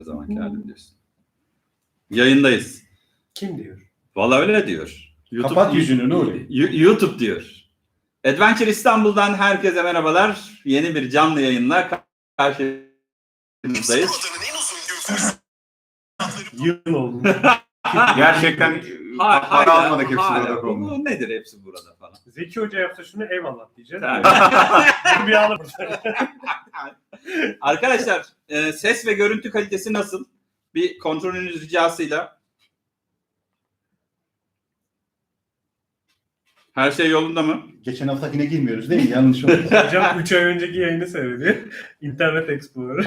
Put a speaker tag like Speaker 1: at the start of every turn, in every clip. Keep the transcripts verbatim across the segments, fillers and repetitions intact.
Speaker 1: zamanki halim diyorsun. Yayındayız.
Speaker 2: Kim diyor?
Speaker 1: Valla öyle diyor. YouTube,
Speaker 3: Kapat yüzünü Nuri.
Speaker 1: YouTube diyor. Adventure İstanbul'dan herkese merhabalar. Yeni bir canlı yayınla karşınızdayız.
Speaker 2: Yıl oldu.
Speaker 3: Gerçekten
Speaker 1: Ha,
Speaker 3: para almadık hepsi
Speaker 1: hala.
Speaker 3: burada konu.
Speaker 1: Bu nedir hepsi burada falan.
Speaker 2: Zeki Hoca yapsa şunu eyvallah diyeceğiz.
Speaker 1: Tabii.
Speaker 2: bir anı.
Speaker 1: Arkadaşlar e, ses ve görüntü kalitesi nasıl? Bir kontrolünüz ricasıyla. Her şey yolunda mı?
Speaker 3: Geçen haftakine girmiyoruz değil mi? Yanlış oldu.
Speaker 2: Hocam üç ay önceki yayını seyrediyor. Internet Explorer.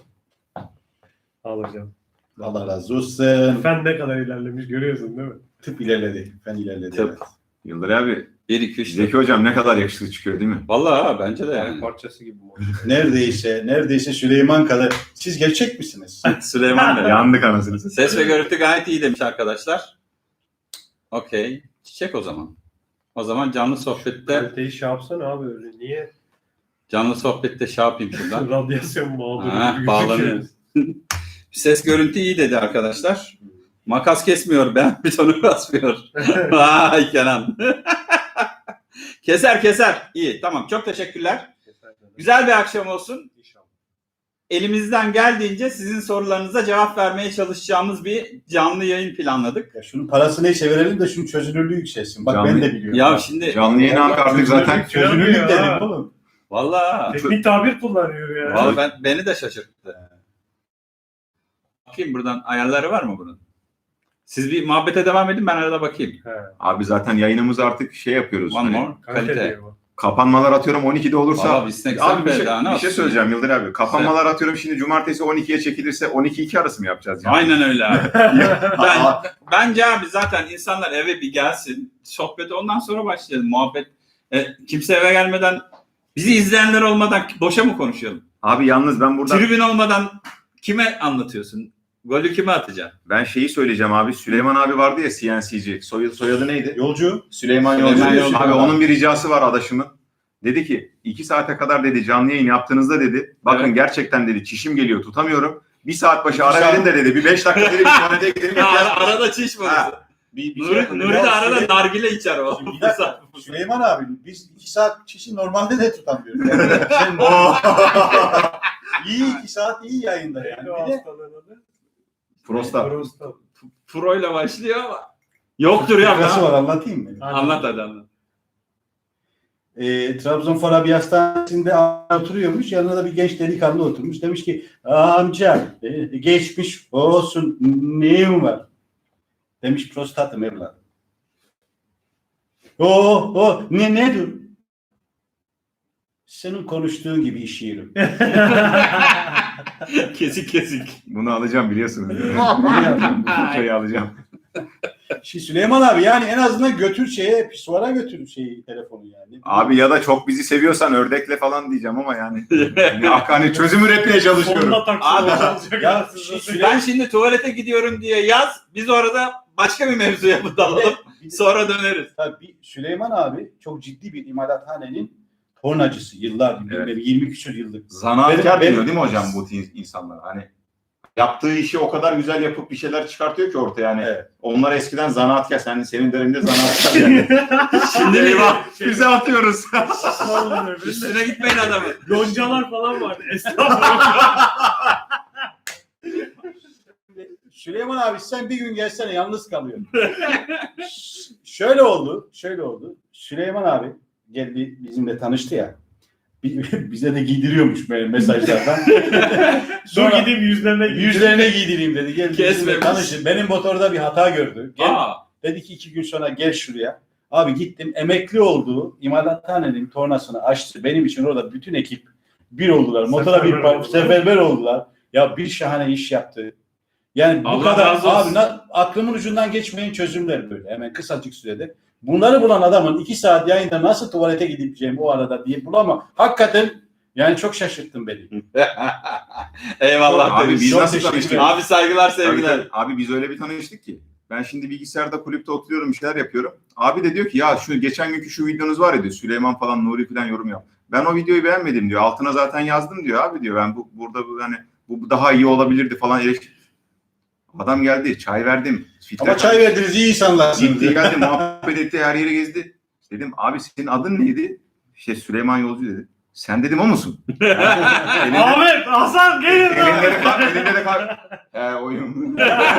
Speaker 2: Al hocam.
Speaker 3: Allah razı olsun.
Speaker 2: Fen ne kadar ilerlemiş görüyorsun değil mi?
Speaker 3: Tıp ilerledi. Fen ilerledi.
Speaker 1: Tıp.
Speaker 3: Evet.
Speaker 4: Yıldır abi,
Speaker 1: bir iki üç
Speaker 4: Zeki hocam ne kadar yakışıklı çıkıyor değil mi?
Speaker 1: Vallahi bence de
Speaker 2: Yani
Speaker 1: yani.
Speaker 2: parçası gibi.
Speaker 3: Neredeyse, neredeyse Süleyman kadar. Siz gerçek misiniz?
Speaker 1: Süleyman Bey.
Speaker 4: Yandık anasını satayım.
Speaker 1: Ses ve görüntü gayet iyi demiş arkadaşlar. Okey. Çiçek o zaman. O zaman canlı sohbette
Speaker 2: Kaliteyi şey yapsana abi öyle. Niye?
Speaker 1: canlı sohbette şey yapayım şuradan.
Speaker 2: Radyasyon mağduru
Speaker 1: Ha,
Speaker 2: gibi
Speaker 1: bağlanıyor.
Speaker 2: gözüküyor.
Speaker 1: Ses görüntü iyi dedi arkadaşlar. Makas kesmiyor, ben butonu basmıyor. Vay Kenan. Keser keser. İyi, tamam. Çok teşekkürler. Güzel bir akşam olsun.
Speaker 2: İnşallah.
Speaker 1: Elimizden geldiğince sizin sorularınıza cevap vermeye çalışacağımız bir canlı yayın planladık.
Speaker 3: Ya şunun parası neyse verelim de şunun çözünürlüğü yükselsin. Bak
Speaker 4: Canlı-
Speaker 3: ben de biliyorum.
Speaker 1: Ya şimdi
Speaker 4: Canlı yayın artık zaten
Speaker 3: Çözünürlük
Speaker 2: Ya.
Speaker 3: dedim oğlum.
Speaker 1: vallahi
Speaker 2: Teknik tabir kullanıyor ya.
Speaker 1: vallahi ben beni de şaşırttı. Bakayım buradan ayarları var mı bunun? Siz bir muhabbete devam edin, ben arada bakayım.
Speaker 2: He.
Speaker 4: abi zaten yayınımız artık şey yapıyoruz.
Speaker 1: One
Speaker 4: Hani
Speaker 1: more
Speaker 2: Kalite
Speaker 1: kalite.
Speaker 2: diyor bu.
Speaker 4: kapanmalar atıyorum on ikide olursa.
Speaker 1: Valla biz ne
Speaker 4: Abi bir
Speaker 1: güzel
Speaker 4: şey,
Speaker 1: be, daha ne
Speaker 4: bir şey
Speaker 1: yapsın
Speaker 4: söyleyeceğim
Speaker 1: ya?
Speaker 4: Yıldır abi. Kapanmalar atıyorum şimdi cumartesi on ikiye çekilirse on iki iki arası mı yapacağız yani?
Speaker 1: Aynen öyle abi. ben,
Speaker 4: Aa,
Speaker 1: bence abi zaten insanlar eve bir gelsin. Sohbeti ondan sonra başlayalım. Muhabbet. E, kimse eve gelmeden, bizi izleyenler olmadan boşa mı konuşalım?
Speaker 4: abi yalnız ben burada
Speaker 1: Tribün olmadan kime anlatıyorsun? Golü kime atacaksın?
Speaker 4: ben şeyi söyleyeceğim abi. Süleyman abi vardı ya C N C'ci. Soyadı, soyadı neydi?
Speaker 3: Yolcu.
Speaker 4: Süleyman
Speaker 1: Süleyman
Speaker 4: Yolcu.
Speaker 1: Yolcu.
Speaker 4: Abi onun bir ricası var adaşımın. Dedi ki iki saate kadar dedi canlı yayın yaptığınızda dedi. Bakın
Speaker 1: Evet.
Speaker 4: gerçekten dedi çişim geliyor tutamıyorum. Bir saat başı
Speaker 3: İki
Speaker 4: ara
Speaker 3: saat-
Speaker 4: verin de dedi. Bir beş dakika dedi bir tuvalete gidelim.
Speaker 1: Ya,
Speaker 4: yapacağız.
Speaker 1: ara- arada çiş var.
Speaker 4: Ha.
Speaker 3: Bir, bir şey
Speaker 1: Nuri,
Speaker 3: yapalım.
Speaker 1: Nuri de
Speaker 3: Ya
Speaker 1: arada
Speaker 3: Süley-
Speaker 1: nargile içer o.
Speaker 3: Şimdi bir dakika, Süleyman abi biz iki saat kişi normalde de tutamıyoruz. Yani sen iyi iki saat iyi yayında yani.
Speaker 2: Neydi o
Speaker 3: Bir de
Speaker 2: hastalığın adı?
Speaker 4: Prostat.
Speaker 2: Prostat.
Speaker 1: Pro ile başlıyor ama yoktur ya.
Speaker 3: Nasıl
Speaker 1: Ben.
Speaker 3: var anlatayım mı?
Speaker 1: Anlat hadi anlat.
Speaker 3: E, Trabzon bir hastanesinde oturuyormuş. Yanına da bir genç delikanlı oturmuş. Demiş ki amca e, geçmiş olsun neyim var? Demiş prostatım evladım. O o ne nedir? Senin konuştuğun gibi iş yerim.
Speaker 1: Kesik kesik.
Speaker 4: Bunu alacağım biliyorsunuz. Bu fırçayı alacağım.
Speaker 3: Şimdi Süleyman abi yani en azından götür şeye pisuvara götür şeyi telefonu yani.
Speaker 4: Abi ya da çok bizi seviyorsan ördekle falan diyeceğim ama yani. yani hani çözüm üretmeye çalışıyorum.
Speaker 2: Sonunda taksi
Speaker 1: Abi,
Speaker 2: olacak.
Speaker 3: ya
Speaker 2: Siz
Speaker 3: şey-
Speaker 2: de-
Speaker 1: Ben şimdi tuvalete gidiyorum diye yaz. Biz orada başka bir mevzuya mı dalalım?
Speaker 3: Bir de-
Speaker 1: Sonra döneriz.
Speaker 3: Tabii Süleyman abi çok ciddi bir imalathanenin tornacısı. Yıllar,
Speaker 4: Evet.
Speaker 3: yirmi küsur yıllık.
Speaker 4: Zanaatkar
Speaker 3: Benim-
Speaker 4: diyor değil mi hocam bu insanlar? Hani yaptığı işi o kadar güzel yapıp bir şeyler çıkartıyor ki ortaya yani.
Speaker 3: Evet.
Speaker 4: Onlar eskiden zanaatkar. Sen senin döneminde zanaatkar yani.
Speaker 1: Şimdi eyvah.
Speaker 4: Bize atıyoruz.
Speaker 1: Üstüne gitmeyin adamı.
Speaker 2: Loncalar falan vardı. Estağfurullah.
Speaker 3: Süleyman abi sen bir gün gelsene yalnız kalıyorsun. Ş- şöyle oldu, şöyle oldu. Süleyman abi geldi bizimle tanıştı ya. Bi- Bize de giydiriyormuş böyle mesajlardan.
Speaker 2: Dur
Speaker 3: Sonra
Speaker 2: gideyim yüzlerine gideyim.
Speaker 3: yüzlerine giydireyim dedi. Gel bizimle
Speaker 1: Kesmemiş.
Speaker 3: tanışın. Benim motorda bir hata gördü. Gel,
Speaker 1: Aa,
Speaker 3: dedi ki iki gün sonra gel şuraya. Abi gittim emekli olduğu imalathanenin tornasını açtı. Benim için orada bütün ekip bir oldular. Motora bir
Speaker 2: Seferber oldular.
Speaker 3: seferber oldular. Ya bir şahane iş yaptı. Yani bu
Speaker 1: Allah
Speaker 3: kadar
Speaker 1: razı olsun.
Speaker 3: abi na- aklımın ucundan geçmeyen çözümler böyle hemen kısacık sürede. Bunları bulan adamın iki saat yayında nasıl tuvalete gideceğim o arada diye bulamam. Hakikaten yani çok şaşırttın beni.
Speaker 1: eyvallah.
Speaker 4: Abi
Speaker 1: demiş.
Speaker 4: biz
Speaker 3: Çok
Speaker 4: nasıl
Speaker 3: teşekkür
Speaker 4: tanıştık?
Speaker 3: ederim.
Speaker 1: Abi saygılar
Speaker 4: Tabii,
Speaker 1: sevgiler.
Speaker 4: tabii. Abi biz öyle bir tanıştık ki. Ben şimdi bilgisayarda kulüpte oturuyorum bir şeyler yapıyorum. Abi de diyor ki ya şu geçen günkü şu videonuz var ya diyor. Süleyman falan Nuri falan yorum yap. Ben o videoyu beğenmedim diyor. Altına zaten yazdım diyor abi diyor. Ben bu burada bu hani Bu daha iyi olabilirdi falan eleştir. Adam geldi, çay verdim. Filtre
Speaker 3: Ama çay verdiniz, iyi insanlarsınız.
Speaker 4: Gitti geldi, muhabbet etti, her yeri gezdi. Dedim abi senin adın neydi? İşte Süleyman Yolcu dedi. Sen dedim o musun? elinde,
Speaker 2: Ahmet, Hasan gelin
Speaker 4: elinde
Speaker 2: lan.
Speaker 4: de kar, elinde de kar. He oyun.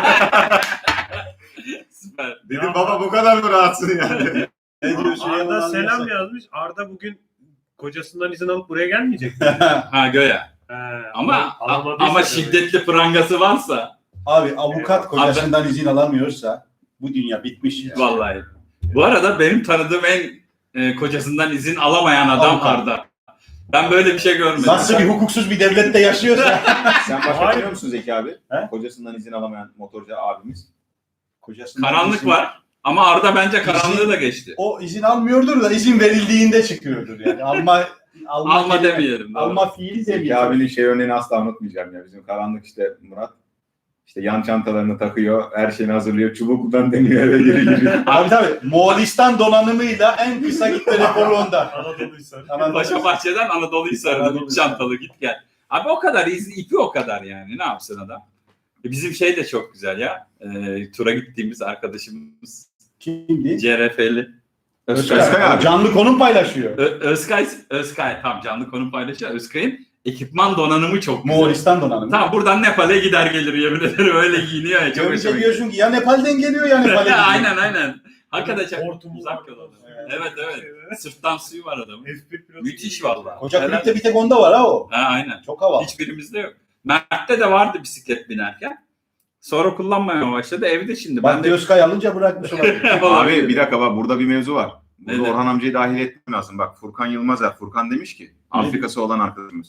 Speaker 1: Süper.
Speaker 4: Dedim baba bu kadar mı rahatsın yani?
Speaker 3: Ne diyor Süleyman
Speaker 2: Arda
Speaker 3: abi?
Speaker 2: selam yazmış. Arda bugün kocasından izin alıp buraya gelmeyecek mi?
Speaker 1: Ha göya.
Speaker 2: He,
Speaker 1: Ama
Speaker 2: alamadıysa
Speaker 1: ama
Speaker 2: demek.
Speaker 1: şiddetli prangası varsa
Speaker 3: Abi avukat kocasından izin alamıyorsa bu dünya bitmiş ya.
Speaker 1: vallahi. Bu arada benim tanıdığım en e, kocasından izin alamayan adam
Speaker 3: Avukat.
Speaker 1: Arda. Ben böyle bir şey görmedim.
Speaker 3: Nasıl bir hukuksuz bir devlette yaşıyorsa.
Speaker 4: Sen başka
Speaker 2: Hayır.
Speaker 4: tanıyor musun Zeki abi?
Speaker 3: He?
Speaker 4: Kocasından izin alamayan motorcu abimiz.
Speaker 3: Kocasından
Speaker 1: Karanlık
Speaker 3: izin-
Speaker 1: var ama Arda bence karanlığı da geçti.
Speaker 3: O izin almıyordur da izin verildiğinde çıkıyordur yani. Alma alma,
Speaker 1: Alma
Speaker 3: kelime-
Speaker 1: demeyelim. doğru.
Speaker 3: Alma fiili
Speaker 4: Zeki
Speaker 3: demeyelim.
Speaker 4: abinin şey örneğini asla unutmayacağım ya. Bizim karanlık işte Murat. İşte yan çantalarını takıyor, her şeyini hazırlıyor, çubuktan deniyor eve geri giriyor.
Speaker 3: Abi tabii Moğolistan donanımıyla en kısa gitme rekoru onda.
Speaker 2: Anadolu Hisarı.
Speaker 3: Anadolu-
Speaker 1: Paşa Bahçe'den Anadolu Hisarı'nın
Speaker 3: Anadolu
Speaker 1: üç çantalı git gel. Abi o kadar izi, ipi o kadar yani. Ne yapsın adam? E, Bizim şey de çok güzel ya. E, tura gittiğimiz arkadaşımız
Speaker 3: Kimdi?
Speaker 1: C R F'li. Özkay.
Speaker 3: Özkay.
Speaker 4: Özkay abi.
Speaker 3: Canlı konum paylaşıyor.
Speaker 1: Ö- Özkay, Özkay tam canlı konu paylaşıyor. Özkay'ın ekipman donanımı çok güzel.
Speaker 3: Moğolistan donanımı.
Speaker 1: Tamam buradan Nepal'e gider gelir yemin ederim öyle giyiniyor ya. Çok
Speaker 3: Görünce
Speaker 1: hoşuma gidiyor.
Speaker 3: diyorsun ki ya Nepal'den geliyor ya Nepal'e gidiyor.
Speaker 1: Aynen aynen. Hakikaten çok
Speaker 2: Hortumu
Speaker 1: uzak
Speaker 2: var.
Speaker 1: yol.
Speaker 3: Evet.
Speaker 1: Evet evet. Sırttan suyu var adamın.
Speaker 2: F bir pilotu
Speaker 1: Müthiş
Speaker 2: gibi.
Speaker 1: vallahi.
Speaker 3: Koca
Speaker 1: Helal.
Speaker 3: kulüpte bir tek onda var ha o.
Speaker 1: Ha aynen.
Speaker 3: Çok havalı.
Speaker 1: Hiçbirimizde yok. Mert'te de vardı bisiklet binerken. Sonra kullanmaya başladı. Evde şimdi.
Speaker 3: Bak
Speaker 1: Ben de
Speaker 3: Özkay alınca bırakmış olabilir.
Speaker 4: Abi bir dakika bak burada bir mevzu var. Burada
Speaker 1: Nedir?
Speaker 4: Orhan amcayı dahil etmem lazım. Bak Furkan Yılmazer. Furkan demiş ki Afrikası olan arkadaşımız.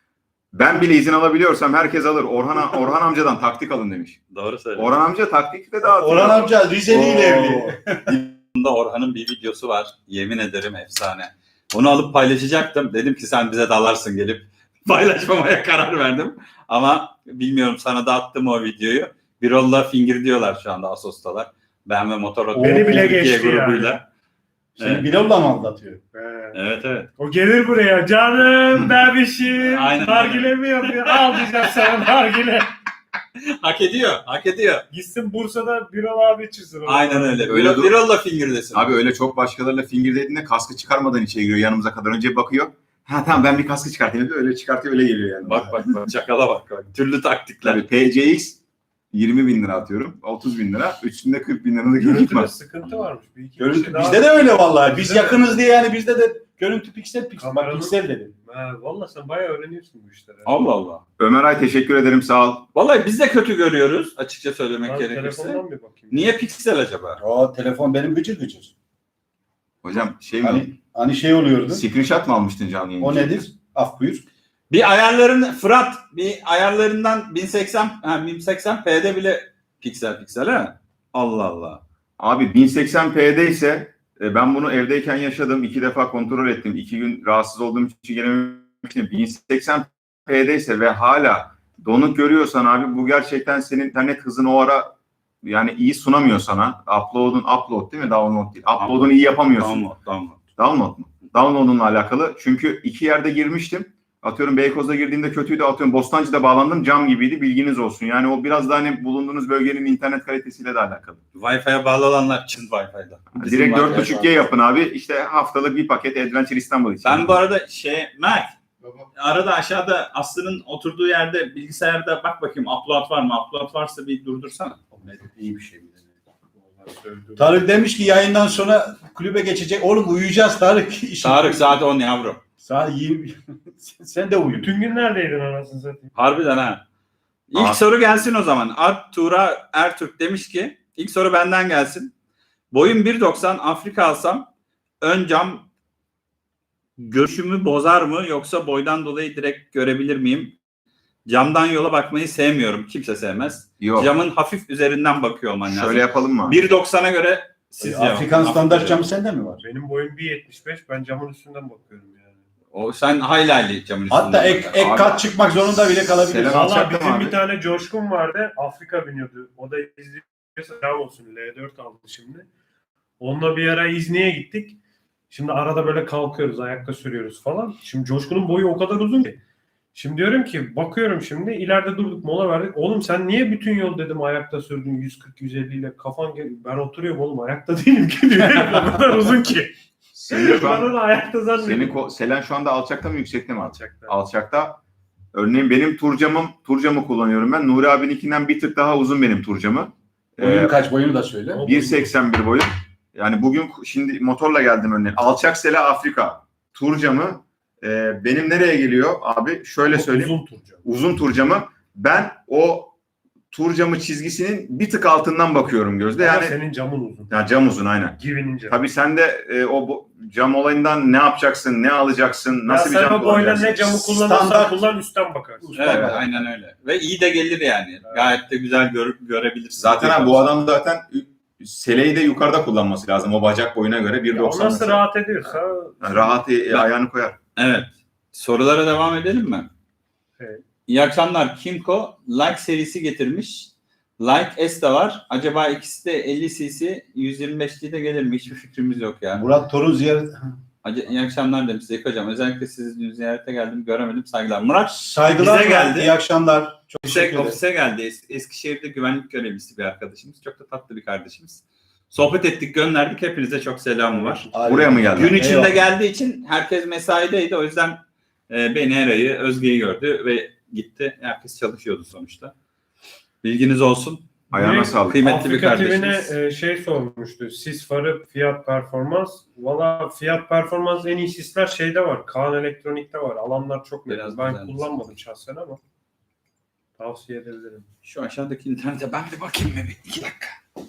Speaker 4: Ben bile izin alabiliyorsam herkes alır. Orhan Orhan amcadan taktik alın demiş.
Speaker 1: Doğru söylüyorsun.
Speaker 4: Orhan amca taktikle dağıtıyor.
Speaker 3: Orhan amca Rizeli ile evli.
Speaker 1: Bunda Orhan'ın bir videosu var. Yemin ederim efsane. Onu alıp paylaşacaktım. Dedim ki sen bize dalarsın gelip. Paylaşmamaya karar verdim. Ama bilmiyorum sana da attım o videoyu. Birol'la Finger diyorlar şu anda Asos'talar. Ben ve Motor
Speaker 2: Beni bile
Speaker 1: Türkiye
Speaker 2: geçti
Speaker 1: grubuyla.
Speaker 3: Seni
Speaker 1: Evet.
Speaker 3: Birol'la mı aldatıyor?
Speaker 2: He.
Speaker 1: Evet evet.
Speaker 2: O gelir buraya. Canım bebişim.
Speaker 1: Aynen.
Speaker 2: Nargile mi yapıyor? Al diyeceğim sana nargile.
Speaker 1: Hak ediyor. Hak ediyor.
Speaker 2: Gitsin Bursa'da Birol abi içirsin. onu.
Speaker 1: Aynen öyle.
Speaker 4: Öyle
Speaker 1: Birol-
Speaker 4: dur-
Speaker 1: Birol'la Finger desin.
Speaker 4: Abi öyle çok başkalarıyla finger dediğinde kaskı çıkarmadan içeri giriyor yanımıza kadar. Önce bakıyor. Ha tamam ben bir kaskı çıkartayım. Öyle çıkartıyor öyle geliyor yani.
Speaker 1: Bak bak bak. Çakala bak. bak. Türlü taktikler.
Speaker 4: Tabii P C X yirmi bin lira atıyorum. otuz bin lira. Üstünde kırk bin lira da görüntü
Speaker 2: Görüntüde
Speaker 4: var.
Speaker 2: sıkıntı varmış. Bir iki
Speaker 3: Görüntü
Speaker 2: kişi daha-
Speaker 3: bizde de öyle vallahi. Biz
Speaker 2: Bizde de-
Speaker 3: yakınız diye yani bizde de görüntü piksel piksel. Bak
Speaker 2: Kameranın-
Speaker 3: piksel dedim.
Speaker 2: Ha, valla sen bayağı öğreniyorsun bu işleri.
Speaker 1: Allah Allah.
Speaker 4: Ömer Ay teşekkür ederim sağ ol.
Speaker 1: Vallahi biz de kötü görüyoruz açıkça söylemek
Speaker 2: Ben
Speaker 1: gerekirse.
Speaker 2: telefondan bir bakayım.
Speaker 1: Niye piksel acaba?
Speaker 3: O telefon benim gıcır gıcır.
Speaker 4: Hocam şey mi?
Speaker 3: Hani, hani şey oluyordu.
Speaker 4: Screenshot mı almıştın canlı yayında?
Speaker 3: O nedir? Af buyur.
Speaker 1: Bir ayarların Fırat bir ayarlarından bin seksen ha bin seksen p'de bile piksel piksel ha. Allah Allah.
Speaker 4: Abi bin seksen p'de ise e, ben bunu evdeyken yaşadım. iki defa kontrol ettim. iki gün rahatsız olduğum için gelememiştim. bin seksen p'de ise ve hala donuk görüyorsan abi bu gerçekten senin internet hızını o ara yani iyi sunamıyor sana. Upload'un upload değil mi? Download değil. Upload'unu iyi yapamıyorsun.
Speaker 1: Download, download.
Speaker 4: Download mu? Download'unla alakalı. Çünkü iki yerde girmiştim. Atıyorum Beykoz'da girdiğimde kötüydü. Atıyorum Bostancı'da bağlandım. Cam gibiydi. Bilginiz olsun. Yani o biraz da hani bulunduğunuz bölgenin internet kalitesiyle de alakalı.
Speaker 1: Wi-Fi'ye bağlı olanlar Çin Wi-Fi'da. Bizim
Speaker 4: Direkt
Speaker 1: Wi-Fi
Speaker 4: dört buçuk G yapın abi. İşte haftalık bir paket Adventure İstanbul için.
Speaker 1: Ben bu arada şey Mert arada aşağıda Aslı'nın oturduğu yerde bilgisayarda bak bakayım upload var mı? Upload varsa bir durdursana.
Speaker 3: İyi bir şey mi?
Speaker 2: Vallahi sövdüm.
Speaker 3: Tarık demiş ki yayından sonra kulübe geçecek. Oğlum uyuyacağız Tarık. İşi-
Speaker 1: Tarık saat on yavrum.
Speaker 3: Saat yirmi. Sen de uyu.
Speaker 2: Bütün gün neredeydin anasını satayım?
Speaker 1: Harbiden ha. İlk
Speaker 4: Aa.
Speaker 1: soru gelsin o zaman. Art Tuğra Ertürk demiş ki ilk soru benden gelsin. Boyum bir doksan Afrika alsam ön cam görüşümü bozar mı yoksa boydan dolayı direkt görebilir miyim? Camdan yola bakmayı sevmiyorum. Kimse sevmez.
Speaker 4: Yok.
Speaker 1: Camın hafif üzerinden bakıyor olman lazım.
Speaker 4: Şöyle yapalım mı?
Speaker 1: bir doksana göre siz
Speaker 3: Afrikan
Speaker 1: cevap-
Speaker 3: standart
Speaker 1: Afrika-
Speaker 3: camı sende mi var?
Speaker 2: Benim boyum bir yetmiş beş. Ben camın üstünden bakıyorum yani.
Speaker 1: O sen hayli hayli camın üstünden.
Speaker 3: Hatta ek,
Speaker 1: bakar.
Speaker 3: ek
Speaker 4: Abi-
Speaker 3: kat çıkmak zorunda bile kalabilir.
Speaker 4: Selam.
Speaker 2: Valla
Speaker 4: alacaktım
Speaker 2: bizim
Speaker 4: abi.
Speaker 2: bir tane Coşkun vardı. Afrika biniyordu. O da izliyorsa selam olsun. L dört aldı şimdi. Onunla bir ara İzni'ye gittik. Şimdi arada böyle kalkıyoruz. Ayakta sürüyoruz falan. Şimdi Coşkun'un boyu o kadar uzun ki. Şimdi diyorum ki bakıyorum şimdi ileride durduk mola verdik. Oğlum sen niye bütün yol dedim ayakta sürdün yüz kırk yüz elli ile kafan gel- ben oturuyorum oğlum ayakta değilim ki diyor. O kadar uzun ki.
Speaker 4: Senin şu
Speaker 2: Ben
Speaker 4: an,
Speaker 2: onu ayakta
Speaker 4: senin
Speaker 2: zannediyorum.
Speaker 4: ko- Selen şu anda alçakta mı yüksekte mi?
Speaker 2: Alçakta.
Speaker 4: Alçakta. Örneğin benim turcamım, turcamı kullanıyorum ben. Nuri abininkinden bir tık daha uzun benim turcamı.
Speaker 3: Boyun
Speaker 4: Ee,
Speaker 3: kaç boyunu da söyle.
Speaker 2: O-
Speaker 4: bir seksen bir boyum. Yani bugün şimdi motorla geldim örneğin. Alçak Sele Afrika. Turcamı e, benim nereye geliyor abi? Şöyle söyleyeyim.
Speaker 2: Uzun turcu.
Speaker 4: Uzun turcamı. Ben o turcamı çizgisinin bir tık altından bakıyorum gözde.
Speaker 2: Ama
Speaker 4: Yani
Speaker 2: senin camın uzun.
Speaker 4: ya cam uzun aynen.
Speaker 2: Givi'nin camı.
Speaker 4: Tabii sen de e, o bu- cam olayından ne yapacaksın, ne alacaksın, nasıl
Speaker 2: ya
Speaker 4: bir
Speaker 2: sen
Speaker 4: cam
Speaker 2: o boyla
Speaker 4: kullanacaksın?
Speaker 2: ne camı kullanırsan
Speaker 3: Standart-
Speaker 2: kullan üstten bakarsın.
Speaker 3: Usta
Speaker 1: Evet,
Speaker 3: bak.
Speaker 1: aynen öyle. Ve iyi de gelir yani. Gayet de güzel gör, görebilirsin.
Speaker 4: Zaten abi bu adam zaten seleyi de yukarıda kullanması lazım. O bacak boyuna göre
Speaker 2: Ya
Speaker 4: bir
Speaker 2: o
Speaker 4: doksan
Speaker 2: nasıl
Speaker 4: mesela.
Speaker 2: rahat ediyorsa
Speaker 4: Yani rahat e, ayağını koyar.
Speaker 1: Evet. Sorulara devam edelim mi?
Speaker 2: Evet.
Speaker 1: İyi akşamlar. Kimco Like serisi getirmiş. Like S de var. Acaba ikisi de elli cc yüz yirmi beşli de gelir mi? Hiçbir fikrimiz yok ya.
Speaker 3: Murat Torun ziyaret.
Speaker 1: Ac- İyi akşamlar demiş Zeki Hocam. Özellikle sizi dün ziyarete geldim. Göremedim. Saygılar. Murat
Speaker 3: Saygılar.
Speaker 1: Bize geldi.
Speaker 3: İyi akşamlar. Çok
Speaker 1: ofise,
Speaker 3: teşekkür ederim.
Speaker 1: ofise geldi. Es- Eskişehir'de güvenlik görevlisi bir arkadaşımız. Çok da tatlı bir kardeşimiz. Sohbet ettik, gönderdik. Hepinize çok selamı var.
Speaker 4: Buraya mı geldi?
Speaker 1: Gün içinde
Speaker 3: Eyvallah.
Speaker 1: geldiği için herkes mesaideydi. O yüzden e, beni, Eray'ı, Özge'yi gördü ve gitti. Herkes çalışıyordu sonuçta. Bilginiz olsun.
Speaker 4: Ayağına
Speaker 2: Direkt
Speaker 4: sağlık.
Speaker 1: Kıymetli bir
Speaker 2: Afrika T V'ne
Speaker 1: kardeşimiz.
Speaker 2: e, şey sormuştu. Sis farı fiyat performans. Valla fiyat performans en iyi sisler şeyde var. Kaan Elektronik'te var. Alanlar çok
Speaker 1: Biraz
Speaker 2: net. Ben
Speaker 1: güzel.
Speaker 2: kullanmadım şahsen ama tavsiye edebilirim.
Speaker 1: Şu aşağıdaki internete ben bir bakayım mı? Bir iki dakika.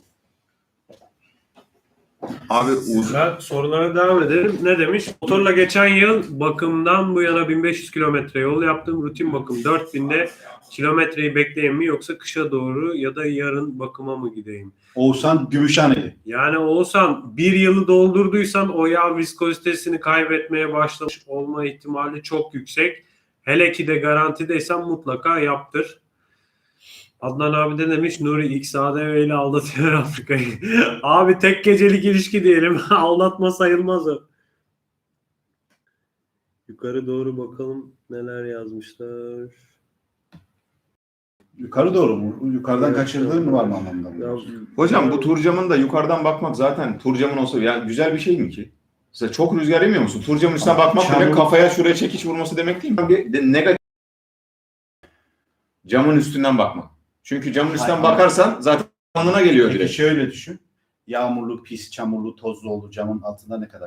Speaker 4: Abi uz
Speaker 2: Ben sorulara devam edelim. Ne demiş? Motorla geçen yıl bakımdan bu yana bin beş yüz kilometre yol yaptım. Rutin bakım dört binde kilometreyi bekleyeyim mi yoksa kışa doğru ya da yarın bakıma mı gideyim?
Speaker 3: Oğuzhan Gümüşhaneli.
Speaker 2: Yani Oğuzhan bir yılı doldurduysan o yağ viskozitesini kaybetmeye başlamış olma ihtimali çok yüksek. Hele ki de garantideysen mutlaka yaptır. Adnan abi de demiş Nuri X A D V ile aldatıyor Afrika'yı. Abi tek gecelik ilişki diyelim. Aldatma sayılmaz o. Yukarı doğru bakalım neler yazmışlar.
Speaker 3: Yukarı doğru mu? Yukarıdan
Speaker 2: Evet,
Speaker 3: kaçırdığın
Speaker 2: evet.
Speaker 3: mı var mı anlamda?
Speaker 2: Ya,
Speaker 4: hocam bu turcamın da yukarıdan bakmak zaten turcamın olsa yani güzel bir şey mi ki? Mesela çok rüzgar yemiyor musun? Turcamın üstüne
Speaker 3: Ama
Speaker 4: bakmak
Speaker 3: çamur-
Speaker 4: demek kafaya şuraya çekiç vurması demek değil mi? Bir de negatif camın üstünden bakmak. Çünkü camın üstünden
Speaker 3: Hayır.
Speaker 4: bakarsan zaten alnına geliyor
Speaker 3: Peki
Speaker 4: direkt.
Speaker 3: şöyle düşün. Yağmurlu, pis, çamurlu, tozlu oldu camın altında ne kadar